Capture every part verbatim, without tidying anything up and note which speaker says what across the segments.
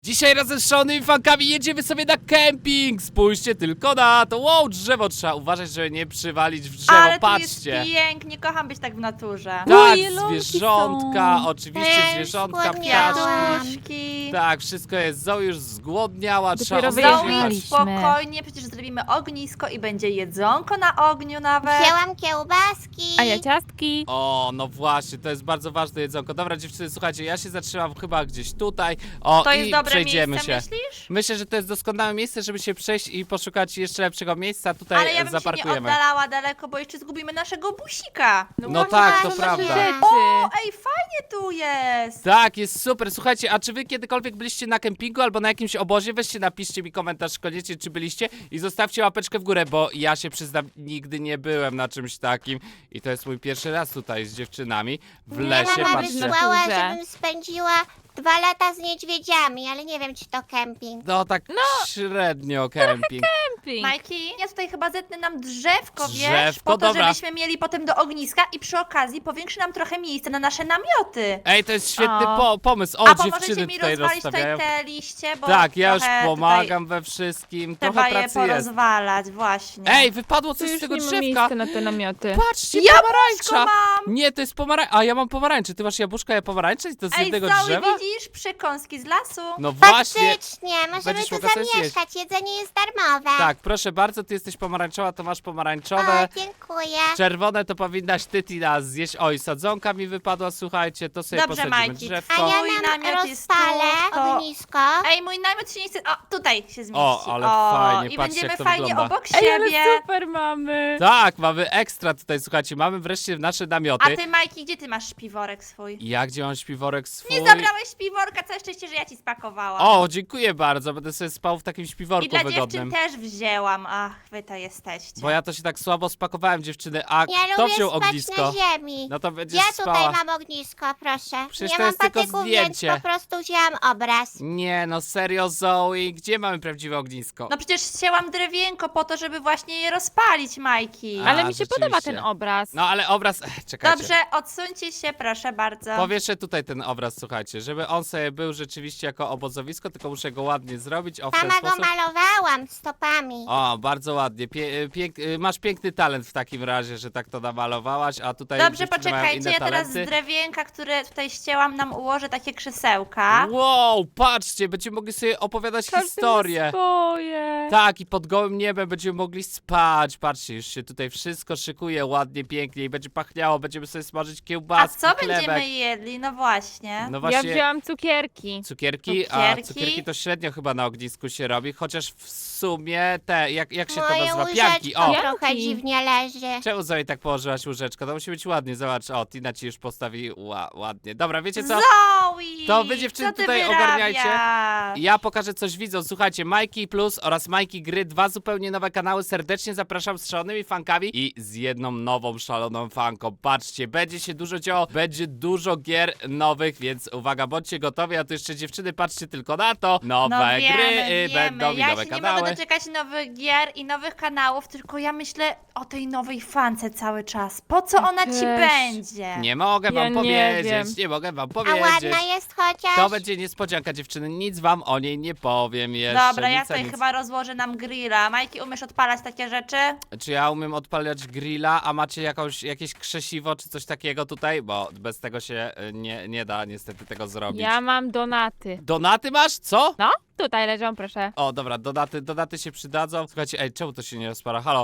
Speaker 1: Dzisiaj razem z szalonymi fankami jedziemy sobie na kemping. Spójrzcie tylko na to. Wow, drzewo, trzeba uważać, żeby nie przywalić w drzewo.
Speaker 2: Ale tu
Speaker 1: Patrzcie.
Speaker 2: jest pięknie, kocham być tak w naturze.
Speaker 1: Tak,
Speaker 3: jelonki
Speaker 1: zwierzątka,
Speaker 3: są.
Speaker 1: oczywiście
Speaker 4: Też
Speaker 1: zwierzątka,
Speaker 4: zgłodniałam.
Speaker 1: ptaszki.
Speaker 2: Kwiatuszki.
Speaker 1: Tak, wszystko jest. Zoe już zgłodniała, trzeba
Speaker 3: Dopiero
Speaker 1: ostrożnie
Speaker 2: Zoe,
Speaker 1: jechać.
Speaker 3: wyjechaliśmy.
Speaker 2: spokojnie, przecież zrobimy ognisko i będzie jedzonko na ogniu nawet.
Speaker 4: Wzięłam kiełbaski.
Speaker 3: A ja ciastki.
Speaker 1: O, no właśnie, to jest bardzo ważne jedzonko. Dobra, dziewczyny, słuchajcie, ja się zatrzymam chyba gdzieś tutaj. O,
Speaker 2: To
Speaker 1: i
Speaker 2: jest dobre
Speaker 1: przejdziemy
Speaker 2: miejsce,
Speaker 1: się.
Speaker 2: myślisz?
Speaker 1: Myślę, że to jest doskonałe miejsce, żeby się przejść i poszukać jeszcze lepszego miejsca. Tutaj
Speaker 2: Ale ja bym się nie
Speaker 1: zaparkujemy.
Speaker 2: oddalała daleko, bo jeszcze zgubimy naszego busika.
Speaker 1: No
Speaker 4: właśnie,
Speaker 1: tak, to
Speaker 4: właśnie.
Speaker 1: prawda.
Speaker 3: Rzeczy.
Speaker 2: O, ej, fajnie tu jest.
Speaker 1: Tak, jest super. Słuchajcie, a czy wy kiedykolwiek byliście na kempingu albo na jakimś obozie? Weźcie, napiszcie mi komentarz koniecznie, czy byliście i zostawcie łapeczkę w górę, bo ja się przyznam, nigdy nie byłem na czymś takim i to jest mój pierwszy raz tutaj z dziewczynami w lesie.
Speaker 4: Mama
Speaker 1: Patrzcie.
Speaker 4: wysłała,
Speaker 3: Naturze.
Speaker 4: żebym spędziła dwa lata z niedźwiedziami, ale nie wiem, czy to kemping.
Speaker 1: No tak średnio kemping.
Speaker 3: Camping.
Speaker 2: Majki, ja tutaj chyba zetnę nam drzewko, wiesz,
Speaker 1: Drzewko,
Speaker 2: po to,
Speaker 1: dobra.
Speaker 2: żebyśmy mieli potem do ogniska i przy okazji powiększy nam trochę miejsca na nasze namioty.
Speaker 1: Ej, to jest świetny
Speaker 3: O.
Speaker 1: po pomysł. O,
Speaker 2: A pomożecie
Speaker 1: dziewczyny
Speaker 2: mi
Speaker 1: tutaj
Speaker 2: rozwalić
Speaker 1: rozstawiają.
Speaker 2: tutaj te liście, bo
Speaker 1: Tak, ja już
Speaker 2: trochę
Speaker 1: pomagam we wszystkim.
Speaker 2: Tutaj
Speaker 1: Trochę
Speaker 2: trzeba je
Speaker 1: pracy jest.
Speaker 2: porozwalać, właśnie.
Speaker 1: Ej, wypadło
Speaker 3: Tu
Speaker 1: coś z
Speaker 3: już
Speaker 1: tego
Speaker 3: nie ma
Speaker 1: drzewka.
Speaker 3: miejsca na te namioty.
Speaker 1: Patrzcie,
Speaker 2: Jabłuszko
Speaker 1: pomarańcza.
Speaker 2: mam!
Speaker 1: Nie, to jest pomarańcza. A ja mam pomarańcze. Ty masz jabłuszka, ja pomarańcze? I to z
Speaker 2: Ej,
Speaker 1: jednego
Speaker 2: Zoe,
Speaker 1: drzewa?
Speaker 2: widzisz przekąski z lasu?
Speaker 1: No właśnie.
Speaker 4: Faktycznie, możemy
Speaker 1: Będziesz
Speaker 4: tu
Speaker 1: mogła sobie zjeść.
Speaker 4: zamieszkać, jedzenie jest darmowe.
Speaker 1: Tak, proszę bardzo, ty jesteś pomarańczowa, to masz pomarańczowe.
Speaker 4: O, dziękuję.
Speaker 1: Czerwone to powinnaś ty, Tina, zjeść. Oj, sadzonka mi wypadła, słuchajcie, to sobie
Speaker 2: Dobrze,
Speaker 1: posadzimy
Speaker 2: Majki.
Speaker 4: A
Speaker 1: drzewko.
Speaker 4: ja
Speaker 2: Mój
Speaker 4: nam
Speaker 2: namiot jest
Speaker 4: rozpalę
Speaker 2: tu, to-
Speaker 4: ognisko.
Speaker 2: Ej, mój namiot się nie chce... O, tutaj się zmieści.
Speaker 1: O, ale
Speaker 2: o,
Speaker 1: fajnie,
Speaker 2: I
Speaker 1: patrzcie,
Speaker 2: będziemy
Speaker 1: jak to
Speaker 2: fajnie
Speaker 1: wygląda.
Speaker 2: obok
Speaker 3: Ej, ale
Speaker 2: siebie.
Speaker 3: super mamy.
Speaker 1: Tak, mamy ekstra tutaj, słuchajcie, mamy wreszcie nasze
Speaker 2: A
Speaker 1: namioty.
Speaker 2: ty, Majki, gdzie ty masz śpiworek swój?
Speaker 1: Ja gdzie mam śpiworek swój?
Speaker 2: Nie zabrałeś śpiworka, całe szczęście, że ja ci spakowałam.
Speaker 1: O, dziękuję bardzo, będę sobie spał w takim śpiworku
Speaker 2: I dla
Speaker 1: wygodnym.
Speaker 2: dziewczyn też wzięłam. Ach, wy to jesteście.
Speaker 1: Bo ja to się tak słabo spakowałem, dziewczyny, a
Speaker 4: Ja
Speaker 1: kto
Speaker 4: lubię
Speaker 1: wziął
Speaker 4: spać
Speaker 1: ognisko?
Speaker 4: na ziemi.
Speaker 1: No to będziesz
Speaker 4: Ja tutaj
Speaker 1: spała.
Speaker 4: mam ognisko, proszę.
Speaker 1: Przecież
Speaker 4: nie
Speaker 1: to
Speaker 4: mam
Speaker 1: jest tylko
Speaker 4: patyków, więc
Speaker 1: zdjęcie.
Speaker 4: po prostu wzięłam obraz.
Speaker 1: Nie, no serio, Zoe, gdzie mamy prawdziwe ognisko?
Speaker 2: No przecież chciałam drewienko po to, żeby właśnie je rozpalić, Majki.
Speaker 1: A,
Speaker 3: Ale mi się podoba
Speaker 1: rzeczywiście.
Speaker 3: ten obraz.
Speaker 1: No ale obraz, Ech, czekajcie.
Speaker 2: Dobrze, odsuńcie się, proszę bardzo.
Speaker 1: Powieszę tutaj ten obraz, słuchajcie, żeby on sobie był rzeczywiście jako obozowisko, tylko muszę go ładnie zrobić, o w ten
Speaker 4: Sama go
Speaker 1: sposób.
Speaker 4: malowałam stopami.
Speaker 1: O, bardzo ładnie. Pie, pięk, y, masz piękny talent w takim razie, że tak to namalowałaś, a tutaj
Speaker 2: Dobrze,
Speaker 1: dziewczyny mają
Speaker 2: poczekajcie,
Speaker 1: inne
Speaker 2: ja teraz z
Speaker 1: talenty.
Speaker 2: drewienka, które tutaj ścięłam, nam ułożę takie krzesełka.
Speaker 1: Wow, patrzcie, będziemy mogli sobie opowiadać
Speaker 3: Każdy ma
Speaker 1: historię.
Speaker 3: swoje.
Speaker 1: Tak, i pod gołym niebem będziemy mogli spać. Patrzcie, już się tutaj wszystko szykuje ładnie, pięknie i będzie pachniało. Będziemy sobie smażyć
Speaker 2: A
Speaker 1: kiełbaski,
Speaker 2: co
Speaker 1: chlebek.
Speaker 2: będziemy jedli? No właśnie.
Speaker 1: No
Speaker 3: Ja
Speaker 1: właśnie,
Speaker 3: wzięłam cukierki.
Speaker 1: cukierki, a
Speaker 2: Cukierki?
Speaker 1: cukierki to średnio chyba na ognisku się robi, chociaż w sumie te, jak, jak się to
Speaker 4: Moje
Speaker 1: nazywa?
Speaker 4: łyżeczko
Speaker 1: Pianki, o!
Speaker 3: Ja-
Speaker 4: trochę
Speaker 3: Pianki.
Speaker 4: dziwnie leży.
Speaker 1: Czemu Zoe tak położyłaś łóżeczko? To musi być ładnie, zobacz, o, Tina ci już postawi ła, ładnie. Dobra, wiecie co?
Speaker 2: Zoe!
Speaker 1: To wy, dziewczyny,
Speaker 2: co ty
Speaker 1: tutaj
Speaker 2: wyrabiasz?
Speaker 1: ogarniajcie. Ja pokażę coś widzom. Słuchajcie, Majki Plus oraz Majki Gry, dwa zupełnie nowe kanały. Serdecznie zapraszam z szalonymi fankami i z jedną nową szaloną fanką. Patrzcie, będzie się dużo działo, będzie dużo gier nowych, więc uwaga, bądźcie gotowi, a tu jeszcze dziewczyny, patrzcie tylko na to. Nowe
Speaker 2: No wiemy,
Speaker 1: gry, y,
Speaker 2: wiemy.
Speaker 1: będą i
Speaker 2: Ja
Speaker 1: nowe
Speaker 2: się nie
Speaker 1: kanały.
Speaker 2: mogę doczekać nowych gier i nowych kanałów, tylko ja myślę o tej nowej fance cały czas. Po co ona ci
Speaker 3: Też.
Speaker 2: będzie?
Speaker 1: Nie mogę
Speaker 3: Ja
Speaker 1: wam
Speaker 3: nie
Speaker 1: powiedzieć,
Speaker 3: wiem.
Speaker 1: nie mogę wam
Speaker 4: A
Speaker 1: powiedzieć.
Speaker 4: ładna jest chociaż?
Speaker 1: To będzie niespodzianka, dziewczyny, nic wam o niej nie powiem jeszcze.
Speaker 2: Dobra, ja
Speaker 1: nic, a
Speaker 2: tutaj
Speaker 1: nic.
Speaker 2: chyba rozłożę nam grilla. Majki, umiesz odpalać takie rzeczy?
Speaker 1: Czy ja umiem odpalać grilla, a macie jakąś, jakieś krzesiwo czy coś takiego tutaj? Bo bez tego się y, nie, nie da niestety tego zrobić.
Speaker 3: Ja mam donaty.
Speaker 1: Donaty masz? Co?
Speaker 3: No, tutaj leżą, proszę.
Speaker 1: O, dobra, donaty, donaty się przydadzą. Słuchajcie, ej, czemu to się nie rozpala? Halo?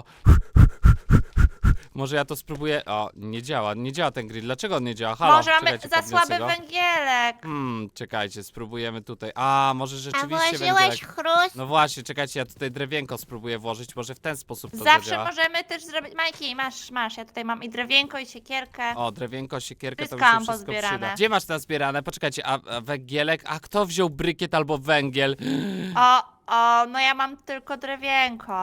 Speaker 1: Może ja to spróbuję... O, nie działa, nie działa ten grill. Dlaczego on nie działa? Halo?
Speaker 2: Może mamy
Speaker 1: Czekajcie,
Speaker 2: za
Speaker 1: podniosę
Speaker 2: słaby
Speaker 1: go.
Speaker 2: węgielek.
Speaker 1: Hmm, czekajcie, spróbujemy tutaj. A, może
Speaker 4: A
Speaker 1: rzeczywiście
Speaker 4: włożyłeś
Speaker 1: węgielek.
Speaker 4: chrust?
Speaker 1: No właśnie, czekajcie, ja tutaj drewienko spróbuję włożyć, może w ten sposób to
Speaker 2: Zawsze
Speaker 1: zadziała.
Speaker 2: możemy też zrobić... Majki, masz, masz, ja tutaj mam i drewienko, i siekierkę.
Speaker 1: O, drewienko, siekierkę, to mi
Speaker 2: Wszystko
Speaker 1: się
Speaker 2: mam
Speaker 1: wszystko
Speaker 2: pozbierane.
Speaker 1: przyda. Gdzie masz nazbierane? Poczekajcie, a, a węgielek? A kto wziął brykiet albo węgiel?
Speaker 2: O, o, no ja mam tylko drewienko.
Speaker 1: O,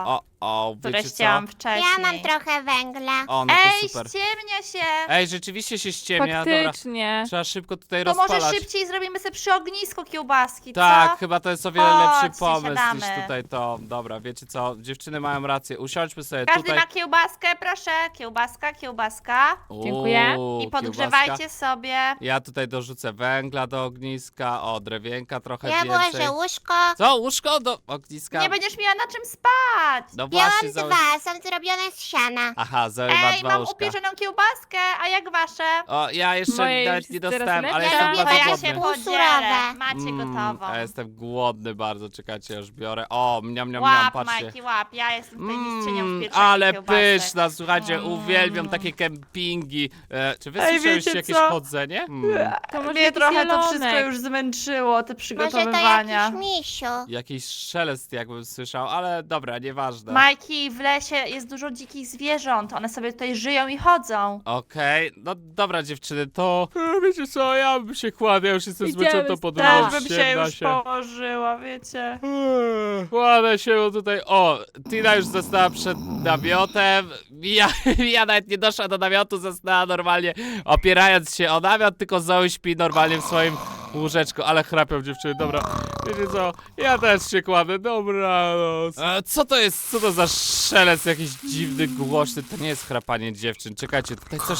Speaker 1: o,
Speaker 2: które
Speaker 1: wiecie co?
Speaker 2: chciałam wcześniej.
Speaker 4: Ja mam trochę węgla.
Speaker 1: O, no
Speaker 2: Ej,
Speaker 1: to super.
Speaker 2: ściemnia się!
Speaker 1: Ej, rzeczywiście się ściemnia, dobra.
Speaker 3: Faktycznie.
Speaker 1: Trzeba szybko tutaj
Speaker 2: To
Speaker 1: rozpalać.
Speaker 2: może szybciej zrobimy sobie przy ognisku kiełbaski,
Speaker 1: Tak,
Speaker 2: co?
Speaker 1: chyba to jest o wiele
Speaker 2: Chodźcie,
Speaker 1: lepszy pomysł niż
Speaker 2: siadamy.
Speaker 1: tutaj to. Dobra, wiecie co? Dziewczyny mają rację. Usiądźmy sobie
Speaker 2: Każdy
Speaker 1: tutaj.
Speaker 2: ma kiełbaskę, proszę. Kiełbaska, kiełbaska.
Speaker 3: Dziękuję.
Speaker 1: Uuu,
Speaker 2: I podgrzewajcie sobie.
Speaker 1: Ja tutaj dorzucę węgla do ogniska, o, drewienka trochę
Speaker 4: Ja
Speaker 1: więcej.
Speaker 4: włożę łóżko.
Speaker 1: Co? Łóżko do ogniska?
Speaker 2: Nie będziesz miała na czym spać.
Speaker 1: No
Speaker 4: Miałam
Speaker 1: właśnie, Zoe.
Speaker 4: dwa, są zrobione z siana.
Speaker 1: Aha, Zoe ma
Speaker 2: Ej,
Speaker 1: dwa
Speaker 2: mam
Speaker 1: łóżka.
Speaker 2: upieczoną kiełbaskę, a jak wasze?
Speaker 1: O, ja jeszcze
Speaker 3: Moje
Speaker 1: nawet
Speaker 3: już
Speaker 1: nie
Speaker 3: jest teraz
Speaker 1: dostałem, ale
Speaker 3: lepiej.
Speaker 1: jestem
Speaker 4: Ja
Speaker 2: To
Speaker 1: bardzo
Speaker 2: ja
Speaker 1: głodny.
Speaker 2: się
Speaker 4: Półsurowe.
Speaker 2: podzielę. Macie
Speaker 1: Mm,
Speaker 2: gotową.
Speaker 1: a jestem głodny bardzo, czekajcie, już biorę. O, mniam, mniam, mniam,
Speaker 2: Łap,
Speaker 1: patrzcie.
Speaker 2: Majki, łap. Ja jestem tutaj
Speaker 1: Mm,
Speaker 2: mistrzynią w pieczeniu
Speaker 1: ale
Speaker 2: kiełbasek.
Speaker 1: pyszna, słuchajcie,
Speaker 2: Mm.
Speaker 1: uwielbiam takie kempingi. E, czy wy
Speaker 2: Ej,
Speaker 1: słyszeliście
Speaker 2: wiecie
Speaker 1: jakieś
Speaker 2: co?
Speaker 1: chodzenie? Mm,
Speaker 3: To może
Speaker 2: Mnie
Speaker 3: jakiś
Speaker 2: trochę to
Speaker 3: jelonek.
Speaker 2: wszystko już zmęczyło, te
Speaker 4: Może to
Speaker 2: przygotowywania.
Speaker 4: jakiś misiu.
Speaker 1: jakiś szelest jakbym słyszał, ale dobra, nieważne.
Speaker 2: Majki, w lesie jest dużo dzikich zwierząt. One sobie tutaj żyją i chodzą.
Speaker 1: Okej, no dobra dziewczyny, to e, wiecie co, ja bym się kładł, ja już jestem
Speaker 3: Idziemy
Speaker 1: zmęczony tą
Speaker 3: stąd.
Speaker 1: podróżą,
Speaker 2: Też bym się
Speaker 1: ściemna
Speaker 2: już położyła, wiecie.
Speaker 1: Eee, Kładę się tutaj. O, Tina już została przed namiotem. Ja, ja nawet nie doszła do namiotu, została normalnie opierając się o namiot, tylko Zoe śpi normalnie w swoim łóżeczku, ale chrapią dziewczyny, dobra. Wiecie co, ja też się kładę, dobranoc. E, co to jest, co to za szelest jakiś dziwny, głośny, to nie jest chrapanie dziewczyn, czekajcie, tutaj coś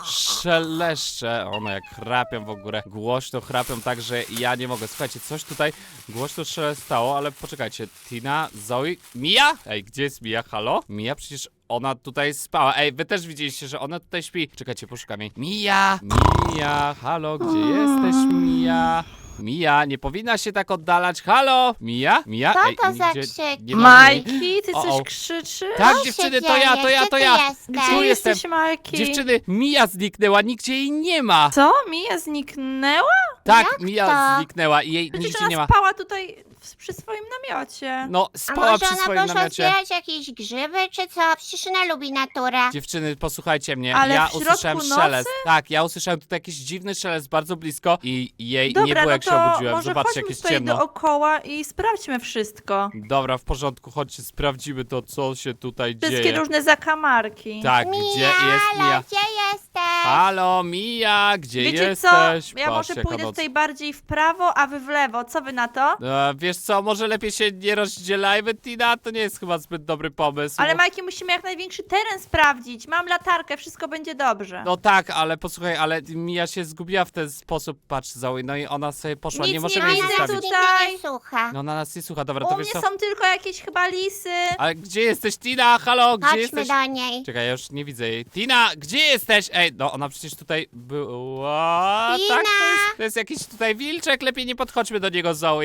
Speaker 1: szeleszcze, one jak chrapią w ogóle, głośno chrapią tak, że ja nie mogę, słuchajcie, coś tutaj głośno szelestało, ale poczekajcie, Tina, Zoe, Mia? Ej, gdzie jest Mia, halo? Mia przecież ona tutaj spała. Ej, wy też widzieliście, że ona tutaj śpi. Czekajcie, poszukam jej. Mia! Mia! Halo, gdzie jesteś, Mia? Mia, nie powinna się tak oddalać. Halo? Mia? Mia?
Speaker 4: Co
Speaker 1: Ej,
Speaker 4: to za
Speaker 1: nigdzie
Speaker 4: krzyk?
Speaker 1: nie ma jej.
Speaker 2: Majki, ty
Speaker 1: O,
Speaker 2: coś
Speaker 1: o.
Speaker 2: krzyczysz?
Speaker 1: Tak,
Speaker 4: Co się
Speaker 1: dziewczyny, to ja, to
Speaker 4: dzieje?
Speaker 1: ja,
Speaker 4: Gdzie
Speaker 1: to
Speaker 4: ty
Speaker 1: ja.
Speaker 4: jesteś?
Speaker 2: Gdzie
Speaker 1: Tu
Speaker 2: jesteś,
Speaker 1: jestem.
Speaker 2: Majki?
Speaker 1: Dziewczyny, Mia zniknęła, nigdzie jej nie ma.
Speaker 2: Co? Mija zniknęła?
Speaker 1: Tak,
Speaker 4: Jak
Speaker 1: Mia
Speaker 4: to?
Speaker 1: zniknęła i jej
Speaker 2: Przecież
Speaker 1: nigdzie nie
Speaker 2: ona
Speaker 1: ma.
Speaker 2: spała tutaj w, przy swoim namiocie.
Speaker 1: No,
Speaker 4: A
Speaker 1: spała
Speaker 4: może
Speaker 1: przy
Speaker 4: ona
Speaker 1: swoim
Speaker 4: poszła
Speaker 1: namiocie.
Speaker 4: zbierać jakieś grzyby, czy co? Przecież ona lubi naturę.
Speaker 1: Dziewczyny, posłuchajcie mnie.
Speaker 2: Ale
Speaker 1: ja
Speaker 2: w środku
Speaker 1: usłyszałem
Speaker 2: nocy?
Speaker 1: szelest. Tak, ja usłyszałem tutaj jakiś dziwny szelest bardzo blisko i jej nie
Speaker 2: Dobra,
Speaker 1: było
Speaker 2: no
Speaker 1: jak się
Speaker 2: to
Speaker 1: obudziłem.
Speaker 2: może
Speaker 1: Zobaczcie,
Speaker 2: chodźmy
Speaker 1: jak jest
Speaker 2: tutaj
Speaker 1: ciemno.
Speaker 2: dookoła i sprawdźmy wszystko.
Speaker 1: Dobra, w porządku, chodźcie, sprawdzimy to, co się tutaj
Speaker 2: Wszystkie
Speaker 1: dzieje.
Speaker 2: różne zakamarki.
Speaker 1: Tak,
Speaker 4: Mia,
Speaker 1: gdzie jest
Speaker 4: halo,
Speaker 1: Mia?
Speaker 4: gdzie jesteś?
Speaker 1: Halo, Mia, gdzie
Speaker 2: Wiecie
Speaker 1: jesteś?
Speaker 2: co? Ja
Speaker 1: Patrz,
Speaker 2: może
Speaker 1: jaka
Speaker 2: pójdę
Speaker 1: noc.
Speaker 2: tutaj bardziej w prawo, a wy w lewo. Co wy na to?
Speaker 1: E, wiesz co, może lepiej się nie rozdzielajmy, Tina? To nie jest chyba zbyt dobry pomysł.
Speaker 2: Ale Majki, musimy jak największy teren sprawdzić. Mam latarkę, wszystko będzie dobrze.
Speaker 1: No tak, ale posłuchaj, ale Mia się zgubiła w ten sposób, patrz Zoe, no i ona sobie poszła,
Speaker 2: Nic
Speaker 1: nie
Speaker 2: nie
Speaker 1: możemy jej
Speaker 2: widzę
Speaker 1: zostawić.
Speaker 4: Nigdy
Speaker 2: tutaj.
Speaker 4: nie słucha.
Speaker 1: No ona nas nie słucha, dobra,
Speaker 2: U
Speaker 1: to
Speaker 2: mnie
Speaker 1: wiesz co?
Speaker 2: są tylko jakieś chyba lisy.
Speaker 1: Ale gdzie jesteś, Tina? Halo, gdzie
Speaker 4: Chodźmy
Speaker 1: jesteś?
Speaker 4: do niej.
Speaker 1: Czekaj, ja już nie widzę jej. Tina, gdzie jesteś? Ej, no ona przecież tutaj była.
Speaker 4: Tina!
Speaker 1: Tak, to jest, to jest jakiś tutaj wilczek, lepiej nie podchodźmy do niego, Zoe.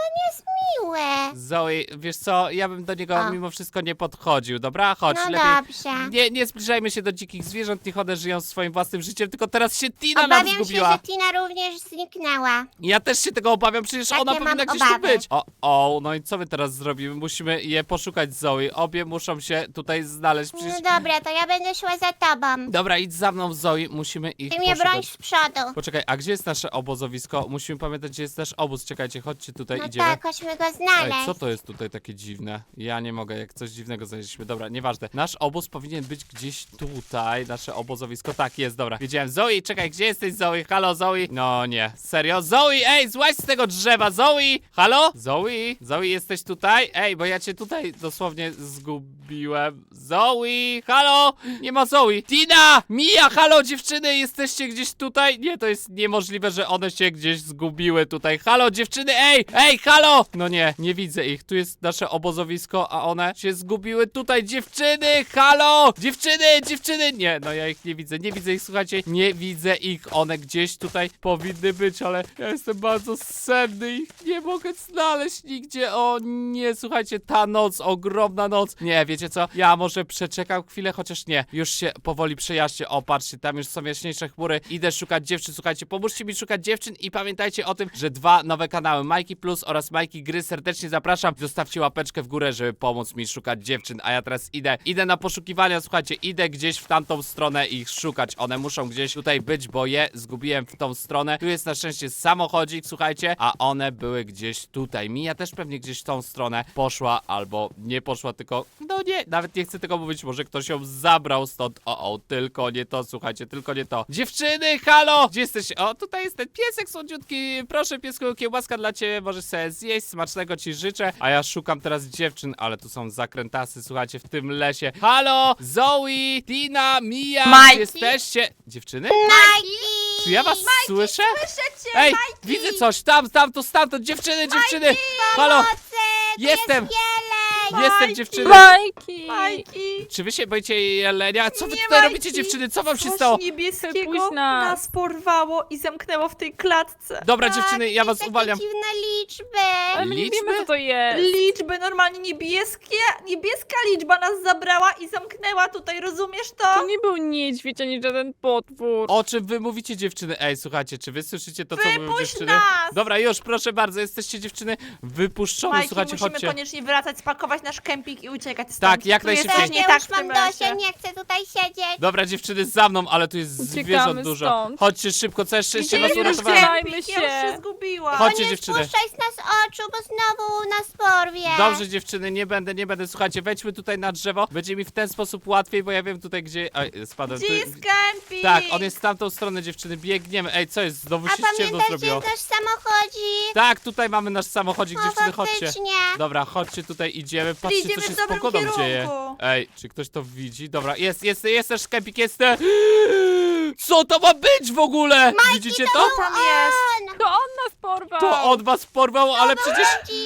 Speaker 4: Miłe.
Speaker 1: Zoe, wiesz co, ja bym do niego
Speaker 4: O.
Speaker 1: mimo wszystko nie podchodził, dobra? Chodź,
Speaker 4: No
Speaker 1: lepiej.
Speaker 4: dobrze.
Speaker 1: Nie, nie zbliżajmy się do dzikich zwierząt, niech one żyją swoim własnym życiem, tylko teraz się Tina nam
Speaker 4: Obawiam się,
Speaker 1: zgubiła.
Speaker 4: że Tina również zniknęła.
Speaker 1: Ja też się tego obawiam, przecież
Speaker 4: Takie
Speaker 1: ona
Speaker 4: mam
Speaker 1: powinna gdzieś
Speaker 4: obawy.
Speaker 1: tu być. O, o, no i co my teraz zrobimy? Musimy je poszukać, Zoe. Obie muszą się tutaj znaleźć, przecież...
Speaker 4: No dobra, to ja będę szła za tobą.
Speaker 1: Dobra, idź za mną, Zoe, musimy ich
Speaker 4: Ty mnie
Speaker 1: poszukać.
Speaker 4: broń z przodu.
Speaker 1: Poczekaj, a gdzie jest nasze obozowisko? Musimy pamiętać, gdzie jest nasz obóz. Czekajcie, chodźcie tutaj,
Speaker 4: No
Speaker 1: idziemy.
Speaker 4: tak, chodźmy go
Speaker 1: Ej,
Speaker 4: znaleźć.
Speaker 1: co to jest tutaj takie dziwne? Ja nie mogę, jak coś dziwnego znaleźliśmy. Dobra, nieważne. Nasz obóz powinien być gdzieś tutaj, nasze obozowisko. Tak, jest, dobra. Wiedziałem. Zoe, czekaj, gdzie jesteś, Zoe? Halo, Zoe? No nie, serio? Zoe, ej, złaź z tego drzewa, Zoe! Halo? Zoe? Zoe, jesteś tutaj? Ej, bo ja cię tutaj dosłownie zgubiłem. Zoe, halo? Nie ma Zoe. Tina! Mia, halo, dziewczyny, jesteście gdzieś tutaj? Nie, to jest niemożliwe, że one się gdzieś zgubiły tutaj. Halo, dziewczyny, ej, ej, halo! No nie, nie widzę ich. Tu jest nasze obozowisko, a one się zgubiły tutaj. Dziewczyny, halo! Dziewczyny, dziewczyny! Nie, no ja ich nie widzę, nie widzę ich, słuchajcie. Nie widzę ich. One gdzieś tutaj powinny być, ale ja jestem bardzo senny. Ich nie mogę znaleźć nigdzie. O nie, słuchajcie, ta noc, ogromna noc. Nie, wiecie co? Ja może przeczekam chwilę, chociaż nie. Już się powoli przejaśnię. O, patrzcie, tam już są jaśniejsze chmury. Idę szukać dziewczyn. Słuchajcie, pomóżcie mi szukać dziewczyn i pamiętajcie o tym, że dwa nowe kanały, Majki Plus oraz Majki Gry, serdecznie zapraszam. Zostawcie łapeczkę w górę, żeby pomóc mi szukać dziewczyn, a ja teraz idę. Idę na poszukiwania, słuchajcie, idę gdzieś w tamtą stronę ich szukać. One muszą gdzieś tutaj być, bo je zgubiłem w tą stronę. Tu jest na szczęście samochodzik, słuchajcie, a one były gdzieś tutaj. Mia też pewnie gdzieś w tą stronę poszła, albo nie poszła, tylko no o nie, nawet nie chcę tego mówić, może ktoś ją zabrał stąd. O, o, tylko nie to, słuchajcie, tylko nie to. Dziewczyny, halo! Gdzie jesteście? O, tutaj jest ten piesek słodziutki. Proszę, piesku, kiełbaska dla ciebie, możesz sobie zjeść, smacznego ci życzę. A ja szukam teraz dziewczyn, ale tu są zakrętasy, słuchajcie, w tym lesie. Halo! Zoe, Tina, Mia,
Speaker 2: Majki?
Speaker 1: gdzie jesteście? Dziewczyny?
Speaker 4: Majki!
Speaker 1: Czy ja was słyszę?
Speaker 2: Słyszę cię,
Speaker 1: Ej,
Speaker 2: Majki!
Speaker 1: widzę coś, tam, tam, to stamtąd, dziewczyny, dziewczyny! Halo!
Speaker 4: Pomocy! Tu
Speaker 1: Jestem!
Speaker 4: jest jeleń!
Speaker 1: Jestem,
Speaker 2: Majki!
Speaker 1: dziewczyny!
Speaker 3: Majki!
Speaker 2: Majki!
Speaker 1: Czy wy się boicie jelenia? Co wy
Speaker 2: Nie,
Speaker 1: tutaj
Speaker 2: Majki!
Speaker 1: robicie, dziewczyny? Co wam się
Speaker 2: Coś
Speaker 1: stało?
Speaker 2: niebieskiego
Speaker 3: Wypuść nas.
Speaker 2: nas porwało i zamknęło w tej klatce.
Speaker 1: Dobra,
Speaker 4: Tak,
Speaker 1: dziewczyny, ja was
Speaker 4: takie
Speaker 1: uwalniam.
Speaker 4: dziwne liczby.
Speaker 3: Ale my nie
Speaker 1: Liczby?
Speaker 3: wiemy, co to jest.
Speaker 2: Liczby normalnie niebieskie, niebieska liczba nas zabrała i zamknęła tutaj, rozumiesz to?
Speaker 3: To nie był niedźwiedź, ani żaden potwór.
Speaker 1: O czym wy mówicie, dziewczyny? Ej, słuchajcie, czy wy słyszycie to, co mówią
Speaker 2: Wypuść
Speaker 1: dziewczyny?
Speaker 2: nas!
Speaker 1: Dobra, już, proszę bardzo, jesteście dziewczyny wypuszczone,
Speaker 2: Majki,
Speaker 1: słuchajcie,
Speaker 2: musimy
Speaker 1: chodźcie.
Speaker 2: koniecznie wracać, spakować nasz kemping i uciekać stąd.
Speaker 1: Tak, jak
Speaker 2: Tu jest
Speaker 1: najszybciej.
Speaker 2: coś
Speaker 4: Ja
Speaker 2: nie tak
Speaker 4: już
Speaker 2: w tym
Speaker 4: mam dość, ja
Speaker 2: lesie.
Speaker 4: nie chcę tutaj siedzieć.
Speaker 1: Dobra, dziewczyny, za mną, ale tu jest
Speaker 3: Uciekamy
Speaker 1: zwierząt dużo.
Speaker 3: stąd.
Speaker 1: Chodźcie szybko, całe szczęście
Speaker 2: Gdzie
Speaker 1: was
Speaker 2: jest nasz
Speaker 1: uratowałem.
Speaker 3: Trzymajmy
Speaker 2: kemping? Ja już
Speaker 3: się.
Speaker 2: się zgubiłam.
Speaker 1: Chodźcie,
Speaker 4: nie
Speaker 1: dziewczyny.
Speaker 4: spuszczaj z nas oczu, bo znowu nas porwie.
Speaker 1: Dobrze, dziewczyny, nie będę, nie będę. Słuchajcie, wejdźmy tutaj na drzewo. Będzie mi w ten sposób łatwiej, bo ja wiem tutaj, gdzie... Oj, spadłem.
Speaker 2: Gdzie
Speaker 1: Tu-
Speaker 2: jest kemping?
Speaker 1: Tak, on jest w tamtą stronę, dziewczyny. Biegniemy. Ej, co jest? Znowu
Speaker 4: A
Speaker 1: się ciemno
Speaker 4: pamiętasz, gdzie
Speaker 1: zrobiło.
Speaker 4: jest nasz samochodzik?
Speaker 1: Tak, tutaj mamy nasz samochodzik,
Speaker 4: O,
Speaker 1: dziewczyny, chodźcie.
Speaker 4: faktycznie.
Speaker 1: Dobra, chodźcie tutaj, idziemy. Patrzcie,
Speaker 2: Idziemy
Speaker 1: co się
Speaker 2: w
Speaker 1: z
Speaker 2: dobrym
Speaker 1: pogodą
Speaker 2: kierunku.
Speaker 1: dzieje. Ej, czy ktoś to widzi? Dobra, jest, jest, jest nasz kempik, jest. Co to ma być w ogóle? Widzicie to?
Speaker 2: Co tam jest?
Speaker 4: On!
Speaker 3: To on nas porwał.
Speaker 1: To on was porwał, ale przecież...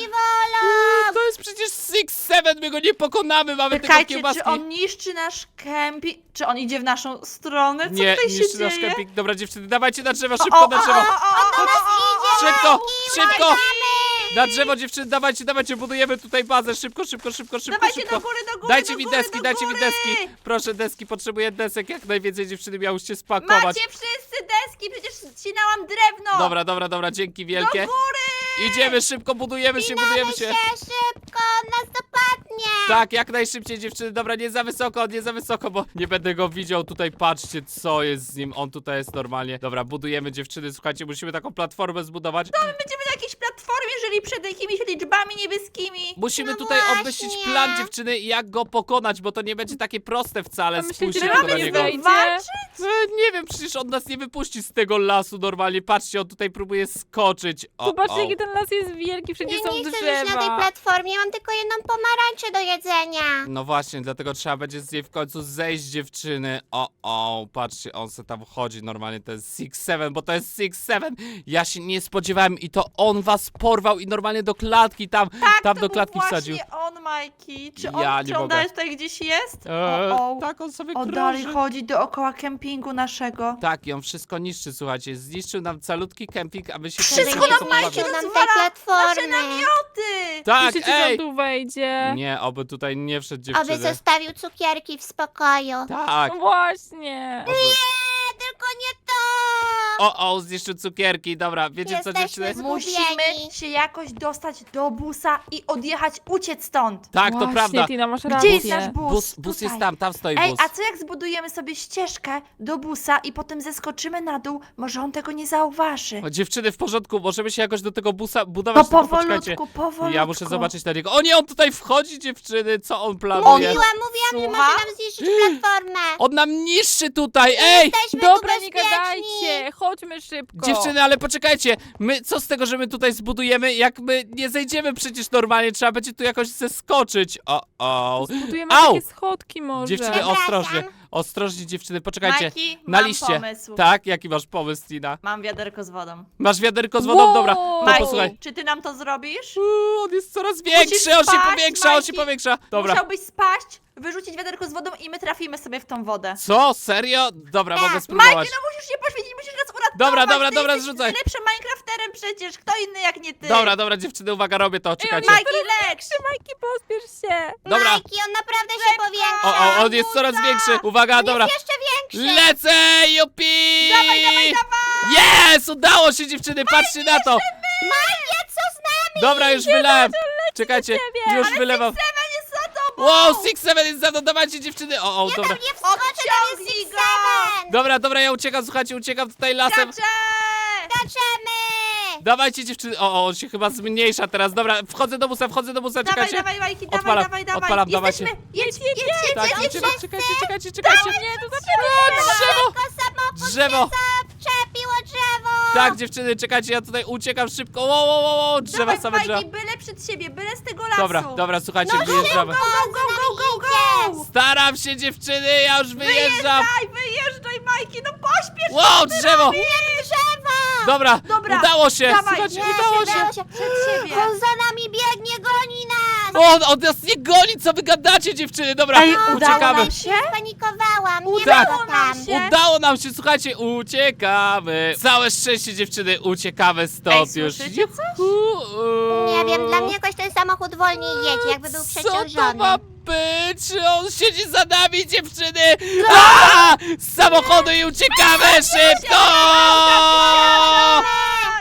Speaker 4: Dziwolo!
Speaker 1: To jest przecież Six Seven, my go nie pokonamy, mamy tylko
Speaker 2: Czekajcie,
Speaker 1: kiełbaski.
Speaker 2: czy on niszczy nasz kemping? Czy on idzie w naszą stronę? Co
Speaker 1: Nie,
Speaker 2: tutaj się
Speaker 1: niszczy
Speaker 2: dzieje?
Speaker 1: nasz kempik. Dobra, dziewczyny, dawajcie na drzewo,
Speaker 2: O,
Speaker 1: szybko
Speaker 2: o,
Speaker 1: na
Speaker 2: o,
Speaker 1: drzewo.
Speaker 2: o, o, o, o, o,
Speaker 1: Szybko, szybko!
Speaker 4: Mamy!
Speaker 1: Na drzewo, dziewczyny, dawajcie, dawajcie, budujemy tutaj bazę. Szybko, szybko, szybko, szybko,
Speaker 2: Dawajcie
Speaker 1: szybko.
Speaker 2: do góry, do góry,
Speaker 1: Dajcie
Speaker 2: do
Speaker 1: mi
Speaker 2: góry,
Speaker 1: deski,
Speaker 2: do
Speaker 1: dajcie mi
Speaker 2: góry!
Speaker 1: deski. Proszę, deski, potrzebuję desek jak najwięcej, dziewczyny, miałyście spakować.
Speaker 2: Macie wszyscy deski, przecież ścinałam drewno!
Speaker 1: Dobra, dobra, dobra, dzięki
Speaker 2: Do
Speaker 1: wielkie.
Speaker 2: góry!
Speaker 1: Idziemy szybko, budujemy się,
Speaker 4: Spinamy
Speaker 1: budujemy
Speaker 4: się
Speaker 1: się.
Speaker 4: szybko, on nas dopadnie!
Speaker 1: Tak, jak najszybciej, dziewczyny. Dobra, nie za wysoko, nie za wysoko, bo nie będę go widział. Tutaj patrzcie, co jest z nim. On tutaj jest normalnie. Dobra, budujemy, dziewczyny. Słuchajcie, musimy taką platformę zbudować.
Speaker 2: My będziemy na jakiejś platformie, jeżeli przed jakimiś liczbami niebieskimi.
Speaker 1: Musimy
Speaker 4: No
Speaker 1: tutaj
Speaker 4: właśnie.
Speaker 1: obmyślić plan, dziewczyny, jak go pokonać, bo to nie będzie takie proste wcale.
Speaker 3: A myślicie,
Speaker 1: Spójrzcie
Speaker 3: że
Speaker 1: tylko
Speaker 3: mamy
Speaker 1: na
Speaker 3: nie
Speaker 1: niego.
Speaker 3: wejdzie?
Speaker 2: Walczyć?
Speaker 1: E, Nie wiem, przecież on nas nie wypuści z tego lasu normalnie. Patrzcie, on tutaj próbuje skoczyć. O,
Speaker 3: Zobaczcie,
Speaker 1: o.
Speaker 3: jaki ten las jest wielki, wszędzie
Speaker 4: Nie,
Speaker 3: są
Speaker 4: nie chcę żyć na tej
Speaker 3: drzewa.
Speaker 4: platformie, mam tylko jedną pomarańczę do jedzenia.
Speaker 1: No właśnie, dlatego trzeba będzie z niej w końcu zejść, dziewczyny. O, o, patrzcie, on se tam chodzi normalnie, to jest Six Seven, bo to jest Six Seven. Ja się nie spodziewałem i to on was porwał i normalnie do klatki tam,
Speaker 2: Tak,
Speaker 1: tam
Speaker 2: to
Speaker 1: do
Speaker 2: był
Speaker 1: klatki
Speaker 2: właśnie
Speaker 1: wsadził.
Speaker 2: on, Majki. Czy on,
Speaker 1: Ja nie
Speaker 2: czy on
Speaker 1: mogę.
Speaker 2: dalej tutaj gdzieś jest?
Speaker 1: Eee,
Speaker 2: o, o.
Speaker 1: tak, on sobie
Speaker 2: O, dalej
Speaker 1: krąży.
Speaker 2: chodzi dookoła kempingu naszego.
Speaker 1: Tak, i on wszystko niszczy, słuchajcie. Zniszczył nam calutki kemping, a my się
Speaker 2: Wszystko
Speaker 1: tutaj
Speaker 2: nam
Speaker 1: nie pobawimy.
Speaker 2: niszczy,
Speaker 4: nam tej
Speaker 2: rozwala nasze
Speaker 4: platformy.
Speaker 2: namioty!
Speaker 1: Tak,
Speaker 3: Myślicie, że
Speaker 1: ej!
Speaker 3: on tu wejdzie?
Speaker 1: Nie, oby tutaj nie wszedł,
Speaker 4: Aby
Speaker 1: dziewczyny.
Speaker 4: zostawił cukierki w spokoju.
Speaker 1: Tak.
Speaker 3: No właśnie.
Speaker 4: Nie, tylko nie to!
Speaker 1: O, o, zniszczył cukierki. Dobra, wiecie co,
Speaker 4: Jesteśmy
Speaker 1: dziewczyny?
Speaker 4: z-
Speaker 2: Musimy
Speaker 4: Zgubieni.
Speaker 2: się jakoś dostać do busa i odjechać, uciec stąd.
Speaker 1: Tak, to
Speaker 3: Właśnie,
Speaker 1: prawda.
Speaker 3: Tina, masz
Speaker 2: Gdzie
Speaker 3: rację.
Speaker 2: jest nasz bus?
Speaker 1: Bus, bus
Speaker 2: Tutaj.
Speaker 1: jest tam, tam stoi
Speaker 2: Ej,
Speaker 1: bus.
Speaker 2: a co jak zbudujemy sobie ścieżkę do busa i potem zeskoczymy na dół? Może on tego nie zauważy.
Speaker 1: O, dziewczyny, w porządku, możemy się jakoś do tego busa budować,
Speaker 2: To
Speaker 1: tylko poczekajcie.
Speaker 2: powolutku, powolutku.
Speaker 1: Ja muszę zobaczyć na niego. O nie, on tutaj wchodzi, dziewczyny, co on planuje?
Speaker 4: Mówiłam, mówiłam, że
Speaker 2: Słucham?
Speaker 4: może nam zniszczyć platformę.
Speaker 1: On nam niszczy tutaj, ej!
Speaker 4: Jesteśmy
Speaker 3: Dobra,
Speaker 4: tu
Speaker 3: nie
Speaker 4: bezpieczni.
Speaker 3: gadajcie, chodźmy szybko.
Speaker 1: Dziewczyny, ale poczekajcie, my co z tego, że my tutaj zbudujemy, jak my nie zejdziemy przecież normalnie, trzeba będzie tu jakoś zeskoczyć. O, o.
Speaker 3: Budujemy
Speaker 1: Au!
Speaker 3: takie schodki może.
Speaker 1: Dziewczyny,
Speaker 4: Przepraszam.
Speaker 1: ostrożnie, ostrożnie dziewczyny, poczekajcie.
Speaker 2: Majki,
Speaker 1: Na
Speaker 2: mam
Speaker 1: liście.
Speaker 2: pomysł.
Speaker 1: Tak, jaki masz pomysł, Tina?
Speaker 2: Mam wiaderko z wodą.
Speaker 1: Masz wiaderko z wodą?
Speaker 3: Wow!
Speaker 1: Dobra, to
Speaker 2: Majki,
Speaker 1: posłuchaj.
Speaker 2: czy ty nam to zrobisz?
Speaker 1: Uuu, on jest coraz większy, on się
Speaker 2: spaść,
Speaker 1: powiększa, on się
Speaker 2: Majki.
Speaker 1: powiększa. Dobra.
Speaker 2: Musiałbyś spaść, wyrzucić wiaderko z wodą i my trafimy sobie w tą wodę.
Speaker 1: Co? Serio? Dobra, mogę
Speaker 2: Majki,
Speaker 1: spróbować.
Speaker 2: no musisz się poświęcić, musisz nas uratować.
Speaker 1: Dobra, dobra,
Speaker 2: ty
Speaker 1: dobra,
Speaker 2: jesteś
Speaker 1: zrzucaj.
Speaker 2: najlepszym Minecrafterem przecież, kto inny jak nie ty.
Speaker 1: Dobra, dobra, dziewczyny, uwaga, robię to, czekajcie.
Speaker 2: Majki, lecz!
Speaker 3: Majki, pospiesz się.
Speaker 1: Dobra.
Speaker 4: Majki, on naprawdę się
Speaker 2: Szybko.
Speaker 4: powiększa.
Speaker 1: O, o, on jest coraz większy. Uwaga,
Speaker 4: On
Speaker 1: dobra.
Speaker 4: jest jeszcze większy.
Speaker 1: Lecę, jupi!
Speaker 2: Dawaj, dawaj, dawaj!
Speaker 1: Jest! Udało się, dziewczyny, patrzcie na to!
Speaker 4: Majki, co z nami?
Speaker 1: Dobra, już wylałem. Czekajcie, już wylewam.
Speaker 2: Seven jest za tobą!
Speaker 1: Wow, Six Seven jest za mną, dawajcie, dziewczyny. O, o,
Speaker 4: Ja
Speaker 1: dobra.
Speaker 4: tam nie wskoczę, tam jest
Speaker 2: Odciągnij
Speaker 4: Six
Speaker 2: go.
Speaker 4: Seven.
Speaker 1: Dobra, dobra, ja uciekam, słuchajcie, uciekam tutaj lasem.
Speaker 2: Skaczę!
Speaker 4: Skaczemy.
Speaker 1: Dawajcie dziewczyny. O, o, on się chyba zmniejsza teraz. Dobra, wchodzę do busa, wchodzę do busa,
Speaker 2: Dawaj,
Speaker 1: czekajcie.
Speaker 2: dawaj, Majki, dawaj,
Speaker 1: Odpalam,
Speaker 2: dawaj, dawaj.
Speaker 1: odpalam, dawajcie.
Speaker 2: Jesteśmy. Jedź, jedź, jedź,
Speaker 1: Tak,
Speaker 2: jedź,
Speaker 1: idziemy,
Speaker 2: jedź.
Speaker 1: czekajcie, czekajcie, czekajcie.
Speaker 3: Nie, to
Speaker 1: O,
Speaker 3: zaczynamy.
Speaker 1: drzewo!
Speaker 4: Tylko samochód
Speaker 1: Drzewo!
Speaker 4: Przepiło drzewo!
Speaker 1: Tak, dziewczyny, czekajcie, ja tutaj uciekam szybko. Wo, wo, wo, wo, drzewa,
Speaker 2: Dawaj,
Speaker 1: same drzewa.
Speaker 2: Majki, byle przed siebie, byle z tego lasu.
Speaker 1: Dobra, dobra, słuchajcie,
Speaker 2: No
Speaker 1: wyjeżdżamy.
Speaker 2: Go, go, go, go, go, go.
Speaker 1: Staram się, dziewczyny, ja już wyjeżdżam.
Speaker 2: Wyjeżdżaj, wyjeżdżaj, Majki, no pośpiesz się.
Speaker 1: Wow, drzewo!
Speaker 4: Drzewa!
Speaker 1: Dobra,
Speaker 2: Dobra,
Speaker 1: udało się,
Speaker 2: dawaj,
Speaker 1: słuchajcie,
Speaker 2: nie,
Speaker 1: udało
Speaker 2: nie,
Speaker 1: się.
Speaker 2: udało się. Przed siebie.
Speaker 4: On za nami biegnie, goni nas!
Speaker 1: O, on nas nie goni, co wy gadacie, dziewczyny, dobra,
Speaker 2: Ej, udało
Speaker 1: uciekamy.
Speaker 2: nam się?
Speaker 4: Spanikowałam, nie
Speaker 1: Udało
Speaker 4: było
Speaker 2: nam
Speaker 4: tam.
Speaker 2: się.
Speaker 1: Udało nam się, słuchajcie, uciekamy. Całe szczęście, dziewczyny, uciekamy stąd
Speaker 2: Ej,
Speaker 1: już.
Speaker 2: słyszycie coś?
Speaker 1: Juhu.
Speaker 4: Nie wiem, dla mnie jakoś ten samochód wolniej jedzie, jakby był
Speaker 1: Co to
Speaker 4: przeciążony.
Speaker 1: ma być? On siedzi za nami, dziewczyny! A! Z samochodu i uciekamy szybko!